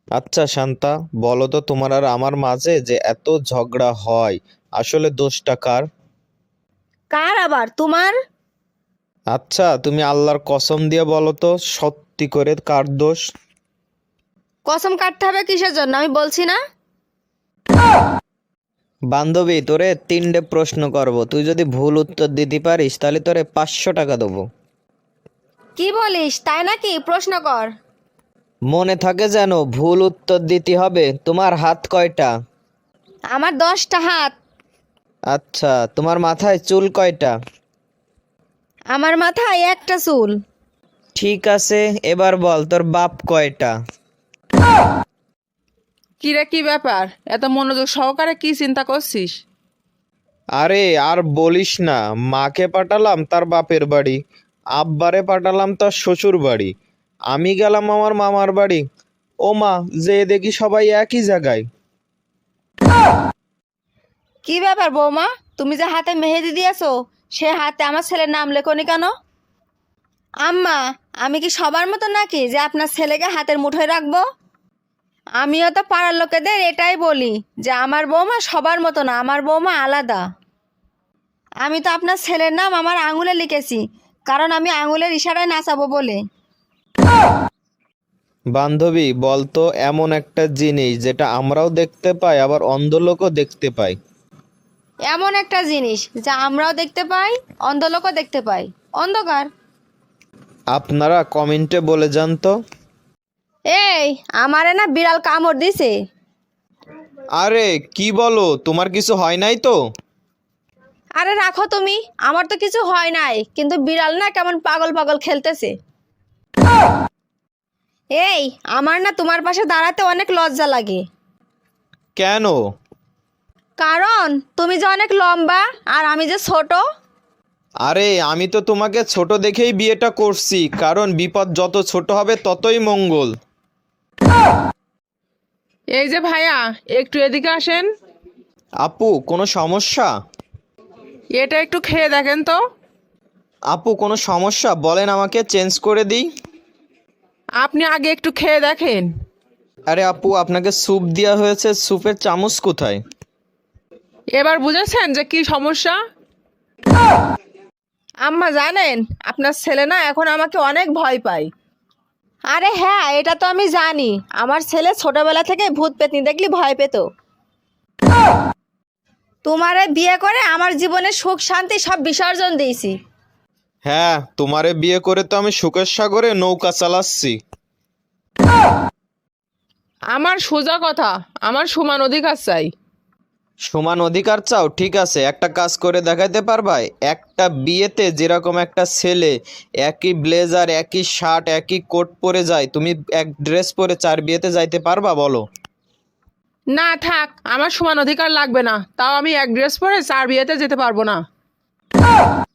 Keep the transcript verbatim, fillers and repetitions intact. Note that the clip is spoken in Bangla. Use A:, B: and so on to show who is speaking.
A: আচ্ছা শান্তা, বলো তো তোমার আর আমার মাঝে যে এত ঝগড়া হয়, আসলে দোষটা কার?
B: কার আবার, তোমার?
A: আচ্ছা তুমি আল্লাহর কসম দিয়ে বলো তো, সত্যি করে কার দোষ?
B: কসম কাটতে হবে কিসের জন্য, আমি বলছি না।
A: বান্ধবী, তোরে তিনটে প্রশ্ন করব, তুই যদি ভুল উত্তর দিতে পারিস তাহলে তোরে পাঁচশো টাকা দেবো।
B: কি বলিস, তাই নাকি? প্রশ্ন কর।
A: মনে থাকে যেন ভুল উত্তর দিতে হবে। তোমার হাত কয়টা?
B: আমার দশটা হাত।
A: আচ্ছা, তোমার মাথায় চুল কয়টা?
B: আমার মাথায় একটা চুল।
A: ঠিক আছে, এবার বল তোর বাপ কয়টা?
C: কিরে, কি ব্যাপার? এত মনোযোগ সহকারে কি চিন্তা করছিস?
A: আরে আর বলিস না, মাকে পাঠালাম তার বাপের বাড়ি, আব্বারে পাঠালাম তার শ্বশুর বাড়ি, আমি গেলাম আমার মামার বাড়ি। ও মা, যে দেখি সবাই একই জায়গায়।
B: কি ব্যাপার বৌমা, তুমি যে হাতে মেহেদি দিয়েছো, সে হাতে আমার ছেলের নাম লেখনি কেন? আম্মা, আমি কি সবার মতো নাকি যে আপনার ছেলেকে হাতের মুঠোয় রাখবো? আমিও তো পাড়ার লোকেদের এটাই বলি যে আমার বৌমা সবার মতো না, আমার বৌমা আলাদা। আমি তো আপনার ছেলের নাম আমার আঙুলে লিখেছি, কারণ আমি আঙুলের ইশারায় নাচাবো বলে।
A: বান্ধবী, বলতো এমন একটা জিনিস যেটা আমরাও দেখতে পাই আবার অন্ধ লোকও দেখতে পায়।
B: এমন একটা জিনিস যা আমরাও দেখতে পাই, অন্ধ লোকও দেখতে পাই। অন্ধকার।
A: আপনারা কমেন্টে বলে যান তো।
B: এই, আমারে না বিড়াল কামড় দিছে।
A: আরে কি বলো, তোমার কিছু হয় নাই তো?
B: আরে রাখো তুমি, আমার তো কিছু হয় নাই, কিন্তু বিড়াল না কেমন পাগল পাগল খেলতেছে। এই, আমার না তোমার পাশে দাঁড়াতে অনেক লজ্জা লাগে।
A: কেন?
B: কারণ তুমি যে অনেক লম্বা আর আমি যে ছোট।
A: আরে আমি তো তোমাকে ছোট দেখেই বিয়েটা করছি, কারণ বিপদ যত ছোট হবে ততই মঙ্গল।
C: এই যে ভাইয়া, একটু এদিকে আসেন।
A: আপু, কোনো সমস্যা?
C: এটা একটু খেয়ে দেখেন তো।
A: আপু, কোনো সমস্যা বলেন, আমাকে চেঞ্জ করে দিই।
C: আপনি আগে একটু খেয়ে দেখেন।
A: আরে আপু, আপনাকে স্যুপ দেওয়া হয়েছে, স্যুপের চামচ কোথায়?
C: এবার বুঝেছেন যে কি সমস্যা? আম্মা জানেন, আপনার ছেলে না এখন আমাকে অনেক ভয় পায়।
B: আরে হ্যাঁ, এটা তো আমি জানি। আমার ছেলে ছোটবেলা থেকে ভূত পেতনি দেখলি ভয় পেত। তোমারে বিয়ে করে আমার জীবনে সুখ শান্তি সব বিসর্জন দিয়েছি।
A: হ্যাঁ, তোমারে বিয়ে করে তো আমি সুখের সাগরে নৌকা চালাচ্ছি।
C: আমার সোজা কথা, আমার সমান অধিকার চাই।
A: সমান অধিকার চাও? ঠিক আছে, একটা কাজ করে দেখাইতে পারবা? একটা বিয়েতে যেরকম একটা ছেলে একই ব্লেজার, একই শার্ট, একই কোট পরে যায়, তুমি এক ড্রেস পরে চার বিয়েতে যাইতে পারবা বলো?
C: না থাক, আমার সমান অধিকার লাগবে না, তাও আমি এক ড্রেস পরে চার বিয়েতে যেতে পারবো না।